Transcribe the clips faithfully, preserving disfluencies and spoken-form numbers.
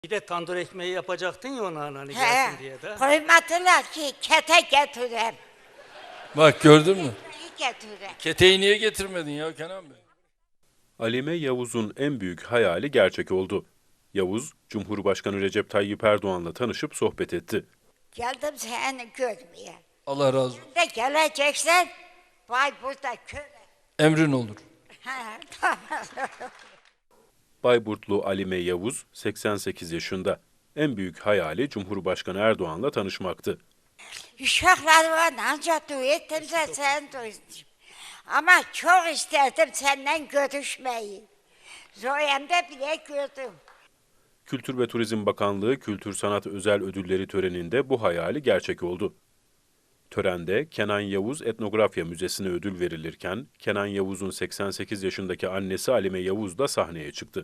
Bir de tandır ekmeği yapacaktın ya ona hani He, gelsin diye de. koymadılar ki kete getireyim. Bak gördün mü? Getireyim. Keteği niye getirmedin ya Kenan Bey? Alime Yavuz'un en büyük hayali gerçek oldu. Yavuz, Cumhurbaşkanı Recep Tayyip Erdoğan'la tanışıp sohbet etti. Geldim seni görmeye. Allah razı olsun. De geleceksen Bayburt'ta köle. Emrin olur. Ha, tamam. Bayburtlu Alime Yavuz, seksen sekiz yaşında. En büyük hayali Cumhurbaşkanı Erdoğan'la tanışmaktı. Uşaklar var ancak duydumsa sen duydun. Ama çok isterdim senden görüşmeyi. Zoyem'de bile gördüm. Kültür ve Turizm Bakanlığı Kültür Sanat Özel Ödülleri töreninde bu hayali gerçek oldu. Törende Kenan Yavuz Etnografya Müzesi'ne ödül verilirken, Kenan Yavuz'un seksen sekiz yaşındaki annesi Alime Yavuz da sahneye çıktı.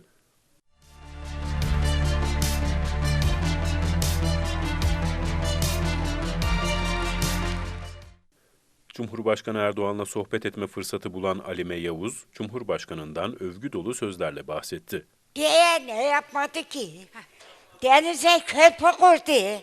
Cumhurbaşkanı Erdoğan'la sohbet etme fırsatı bulan Alime Yavuz, Cumhurbaşkanı'ndan övgü dolu sözlerle bahsetti. Diye ne yapmadı ki? Denize köprü kurdu.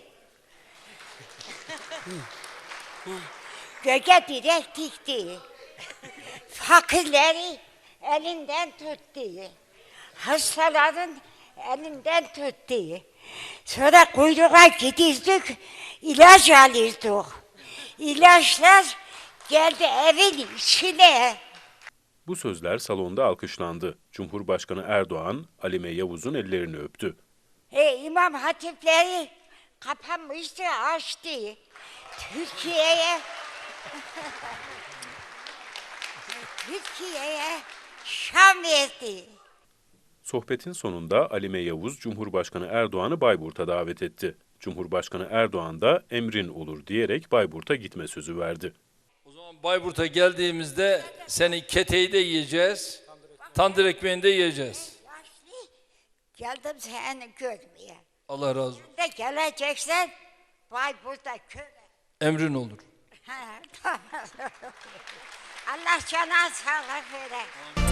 Göke direk dikti. Fakirleri elinden tuttu. Hastaların elinden tuttu. Sonra kuyruğa gidildik, ilaç alırdık. İlaçlar geldi evin içine. Bu sözler salonda alkışlandı. Cumhurbaşkanı Erdoğan, Alime Yavuz'un ellerini öptü. E, İmam hatipleri kapanmıştı, açtı. Türkiye'ye Türkiye'ye şan verdi. Sohbetin sonunda Alime Yavuz, Cumhurbaşkanı Erdoğan'ı Bayburt'a davet etti. Cumhurbaşkanı Erdoğan da emrin olur diyerek Bayburt'a gitme sözü verdi. O zaman Bayburt'a geldiğimizde senin keteği de yiyeceğiz, tandır ekmeğini de yiyeceğiz. Yaşlı, geldim seni görmeye. Allah razı olsun. De geleceksen Bayburt'ta köle. Emrin olur. Ha, tamam. Allah cana sağlık vere.